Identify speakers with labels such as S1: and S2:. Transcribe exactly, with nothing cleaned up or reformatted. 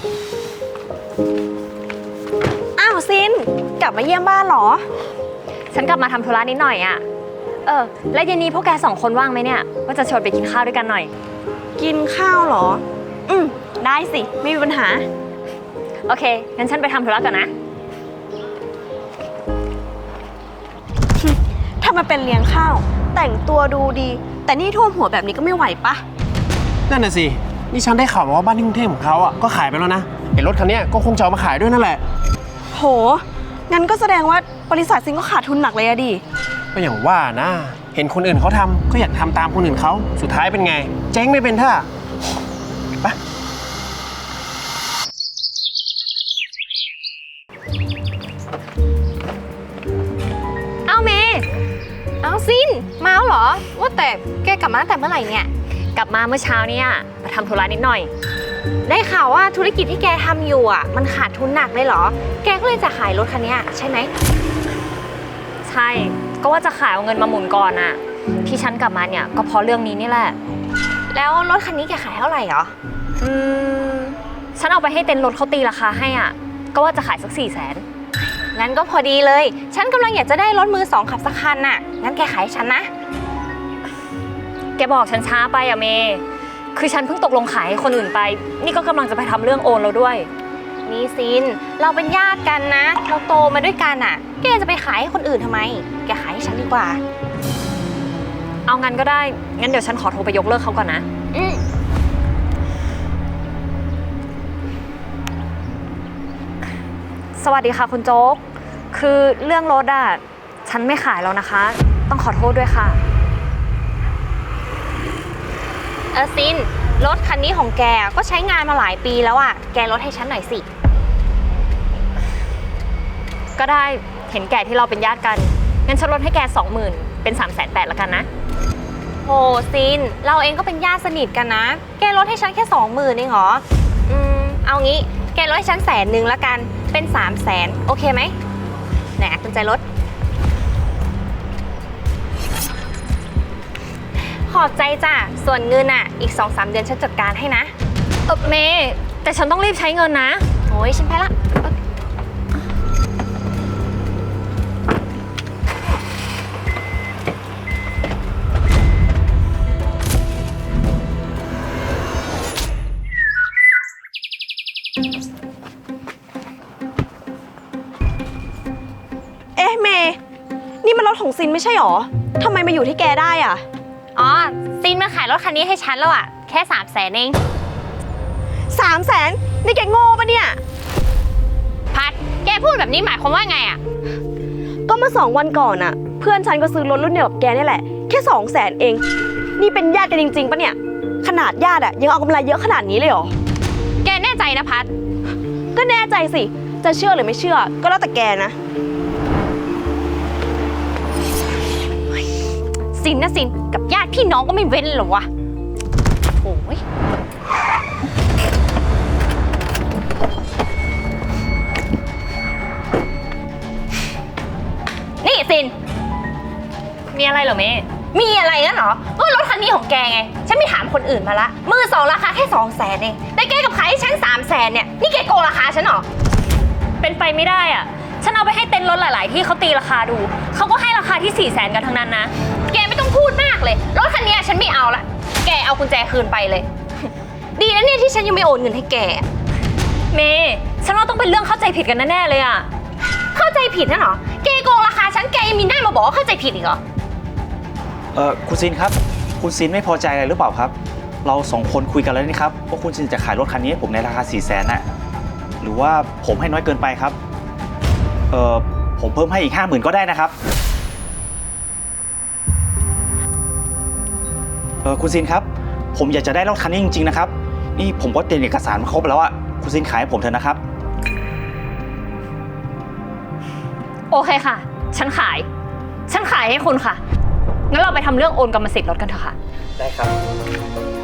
S1: อ้าวซินกลับมาเยี่ยมบ้านเหรอ
S2: ฉันกลับมาทำธุระนิดหน่อยอะเออแล้วเย็นนี้พวกแกสองคนว่างไหมเนี่ยว่าจะชวนไปกินข้าวด้วยกันหน่อย
S1: กินข้าวเหรออืมได้สิไม่มีปัญหา
S2: โอเคงั้นฉันไปทำธุระก่อนนะ
S1: ถ้ามันเป็นเลี้ยงข้าวแต่งตัวดูดีแต่นี่ท่วมหัวแบบนี้ก็ไม่ไหวปะ
S3: นั่นน่ะสินี่ฉันได้ข่าวมาว่าบ้านที่กรุงเทพของเขาอ่ะก็ขายไปแล้วนะเห็นรถคันนี้ก็คงจะเอามาขายด้วยนั่นแหละ
S1: โหงั้นก็แสดงว่าบริษัทซินก็ขาดทุนหนักเลยอะดิ
S3: ก็อย่างว่านะเห็นคนอื่นเขาทำก็อยากทำตามคนอื่นเขาสุดท้ายเป็นไงเจ๊งไม่เป็นท่าไป
S2: เอาเมย์
S4: เอาซินมาแล้วเหรอว่าแต่แกกลับมาตั้งแต่เมื่อไหร่เนี่ย
S2: กลับมาเมื่อเช้าเนี่ยมาทำธุระนิดหน่อย
S4: ได้ข่าวว่าธุรกิจที่แกทำอยู่อ่ะมันขาดทุนหนักเลยเหรอแกก็เลยจะขายรถคันนี้ใช่ไหม
S2: ใช่ก็ว่าจะขายเอาเงินมาหมุนก่อนอะที่ฉันกลับมาเนี่ยก็เพราะเรื่องนี้นี่แหละ
S4: แล้วรถคันนี้แกขายเท่าไหร่หรอ
S2: อืมฉันเอาไปให้เต็นท์รถเขาตีราคาให้อ่ะก็ว่าจะขายสักสี่แสน
S4: งั้นก็พอดีเลยฉันกำลังอยากจะได้รถมือสองขับสักคันน่ะงั้นแกขายให้ฉันนะ
S2: แกบอกฉันช้าไปอะเมย์คือฉันเพิ่งตกลงขายให้คนอื่นไปนี่ก็กำลังจะไปทำเรื่องโอนแล้วด้วย
S4: นี่ซินเราเป็นญาติกันนะเราโตมาด้วยกันอ่ะแกจะไปขายให้คนอื่นทำไมแกขายให้ฉันดีกว่า
S2: เอางั้นก็ได้งั้นเดี๋ยวฉันขอโทรไปยกเลิกเขาก่อนนะ
S4: อืม
S2: สวัสดีค่ะคุณโจ๊กคือเรื่องรถอะฉันไม่ขายแล้วนะคะต้องขอโทษด้วยค่ะ
S4: เออซินรถคันนี้ของแกก็ใช้งานมาหลายปีแล้วอ่ะแกลดให้ฉันหน่อยสิ
S2: ก็ได้เห็นแก่ที่เราเป็นญาติกันงั้นฉันลดให้แกสองหมื่นเป็นสามแสนแปดละกันนะ
S4: โหซินเราเองก็เป็นญาติสนิทกันนะแกลดให้ฉันแค่สองหมื่นเองเหรออืมเอางี้แกลดให้ฉันแสนหนึ่งละกันเป็นสามแสนโอเคไหมไหนกุญแจรถขอบใจจ้ะส่วนเงินอ่ะอีก สองสาม เดือนฉันจัดการให้นะ
S2: เออเมย์แต่ฉันต้องรีบใช้เงินนะ
S4: โอ้ยฉันไปละ
S1: เอ๊ะเมย์นี่มันรถของซินไม่ใช่หรอทำไมมาอยู่ที่แกได้อ่ะ
S4: อ๋อซินมาขายรถคันนี้ให้ฉันแล้วอ่ะแค่สามแสนเอง
S1: สามแสนนี่แกโง่ปะเนี่ย
S4: พัดแกพูดแบบนี้หมายความว่าไงอ่ะ
S1: ก็เมื่อสองวันก่อนอ่ะเพื่อนฉันก็ซื้อรถรุ่นเดียวกับแกนี่แหละแค่สองแสนเองนี่เป็นญาติกันจริงๆปะเนี่ยขนาดญาติอ่ะยังเอากำไรเยอะขนาดนี้เลยเหรอ
S4: แกแน่ใจนะพัด
S1: ก็แน่ใจสิจะเชื่อหรือไม่เชื่อก็แล้วแต่แกนะ
S4: ซินนะซินกับญาติพี่น้องก็ไม่เว้นหรอวะโอ้ยนี่ซิน
S2: มีอะไรเหรอเมย์
S4: มีอะไรงั้นเหรอก็รถคันนี้ของแกไงฉันไม่ถามคนอื่นมาละมือสองราคาแค่สองแสนเองแต่แกกับขายให้ฉันสามแสนเนี่ยนี่แกโกงราคาฉันเหรอ
S2: เป็นไปไม่ได้อ่ะฉันเอาไปให้เต็นท์รถหลายๆที่เขาตีราคาดูเขาก็ให้ราคาที่สี่แสนกันทั้งนั้นนะ
S4: แกไม่ต้องพูดมากเลยรถคันนี้ฉันไม่เอาละแกเอากุญแจคืนไปเลยดีนะเนี่ยที่ฉันยังไม่โอนเงินให้แก
S2: เมย์ฉันว่าต้องเป็นเรื่องเข้าใจผิดกันแน่ๆเลยอ่ะ
S4: เข้าใจผิดนะเหรอแกโกงราคาฉันแกยังมีหน้ามาบอกว่าเข้าใจผิดอีกเหรอ
S5: เออคุณซินครับคุณซินไม่พอใจอะไรหรือเปล่าครับเราสองคนคุยกันแล้วนี่ครับว่าคุณซินจะขายรถคันนี้ให้ผมในราคาสี่แสนน่ะหรือว่าผมให้น้อยเกินไปครับเออผมเพิ่มให้อีกห้าหมื่นก็ได้นะครับเออคุณซินครับผมอยากจะได้รถคันนี้จริงๆนะครับนี่ผมก็เตรียมเอกสารมาครบแล้วอะคุณซินขายให้ผมเถอะนะครับ
S2: โอเคค่ะฉันขายฉันขายให้คุณค่ะงั้นเราไปทำเรื่องโอนกรรมสิทธิ์รถกันเถอะค่ะ
S5: ได้ครับ